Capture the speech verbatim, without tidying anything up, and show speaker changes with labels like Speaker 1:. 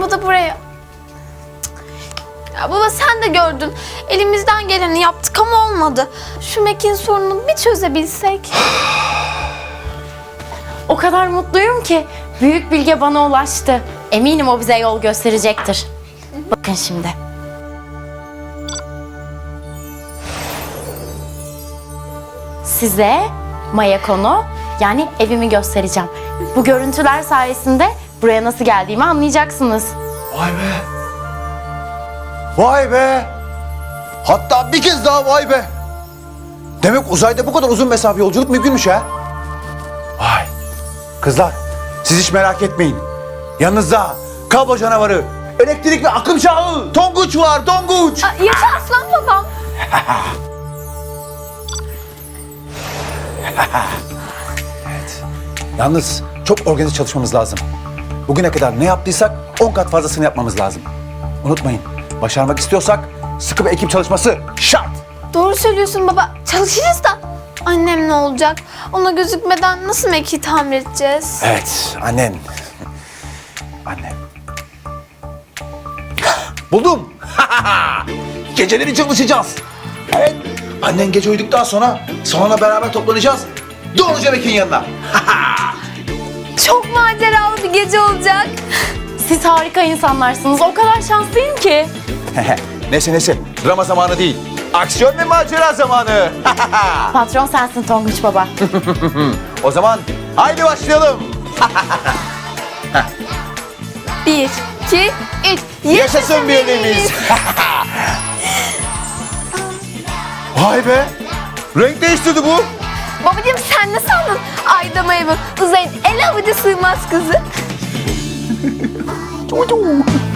Speaker 1: o da buraya. Ya baba sen de gördün. Elimizden geleni yaptık ama olmadı. Şu Mekin sorununu bir çözebilsek.
Speaker 2: O kadar mutluyum ki büyük bilge bana ulaştı. Eminim o bize yol gösterecektir. Bakın şimdi. Size Mayakon'u yani evimi göstereceğim. Bu görüntüler sayesinde buraya nasıl geldiğimi anlayacaksınız.
Speaker 3: Vay be. Vay be. Hatta bir kez daha vay be. Demek uzayda bu kadar uzun mesafe yolculuk mümkünmüş ha. Vay. Kızlar siz hiç merak etmeyin. Yanınızda kablo canavarı, elektrik ve akım çağı, Tonguç var, Tonguç.
Speaker 1: Aa, yaşa aslan babam.
Speaker 3: Evet. Yalnız çok organize çalışmamız lazım. Bugüne kadar ne yaptıysak on kat fazlasını yapmamız lazım. Unutmayın, başarmak istiyorsak sıkı bir ekip çalışması şart.
Speaker 1: Doğru söylüyorsun baba. Çalışırız da. Annem ne olacak? Ona gözükmeden nasıl Meki'yi tamir edeceğiz?
Speaker 3: Evet, annen. Annem. Buldum. Geceleri çalışacağız. Evet, annen gece uyuduktan sonra sonra beraber toplanacağız. Doğruca Bekir'in yanına.
Speaker 1: Çok maceralı bir gece olacak.
Speaker 2: Siz harika insanlarsınız. O kadar şanslıyım ki.
Speaker 3: Neyse neyse, drama zamanı değil. Aksiyon ve macera zamanı.
Speaker 2: Patron sensin Tonguç baba.
Speaker 3: O zaman haydi başlayalım.
Speaker 1: Bir, iki, üç.
Speaker 3: Yaşasın birliğimiz. Vay be. Renk değiştirdi bu.
Speaker 1: Babacığım sen ne sandın? Ayda maymun, uzayın el avucu sığmaz kızı.